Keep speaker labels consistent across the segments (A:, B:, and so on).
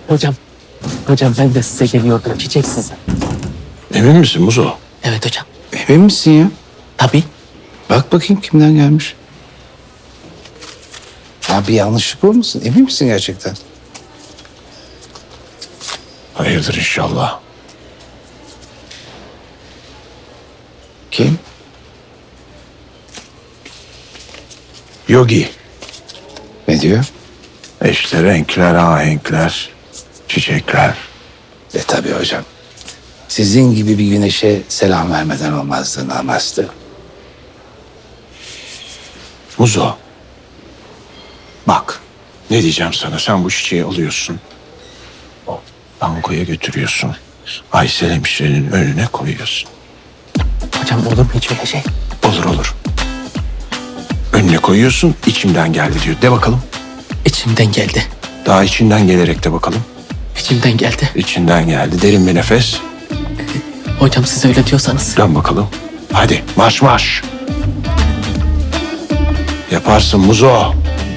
A: Hocam, hocam ben de size geliyordum. Çiçek size.
B: Emin misin Muzo?
A: Evet hocam.
C: Emin misin ya?
A: Tabii.
C: Bak bakayım kimden gelmiş. Ya bir yanlışlık olmasın? Emin misin gerçekten?
B: Hayırdır inşallah.
C: Kim?
B: Yogi.
C: Ne diyor?
B: İşte renkler, ahenkler, çiçekler.
C: Tabii hocam. Sizin gibi bir güneşe selam vermeden olmazdı, namazdı.
B: Muzo. Bak. Ne diyeceğim sana? Sen bu çiçeği alıyorsun. Bankoya götürüyorsun. Aysel hemşirenin önüne koyuyorsun.
A: Hocam olur mu hiç öyle şey?
B: Olur olur. Önüne koyuyorsun, içimden geldi diyor. De bakalım.
A: İçimden geldi.
B: Daha içinden gelerek de bakalım.
A: İçimden geldi.
B: İçinden geldi. Derin bir nefes.
A: Hocam siz öyle diyorsanız.
B: Dön bakalım. Hadi marş marş. Yaparsın Muzo.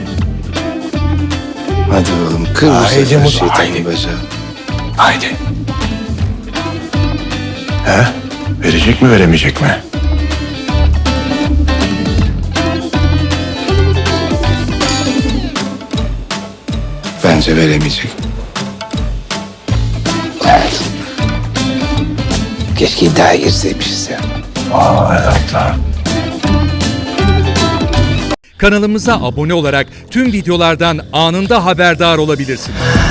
C: Hadi oğlum kır bu
B: Haydi
C: sefer
B: Muzo, haydi.
C: şeytanın bacağı.
B: Haydi. He? Verecek mi veremeyecek mi?
C: Bence veremeyecek. Evet. Keşke iddiaya girseymişiz ya.
B: Aa evet lan.
D: Kanalımıza abone olarak tüm videolardan anında haberdar olabilirsiniz.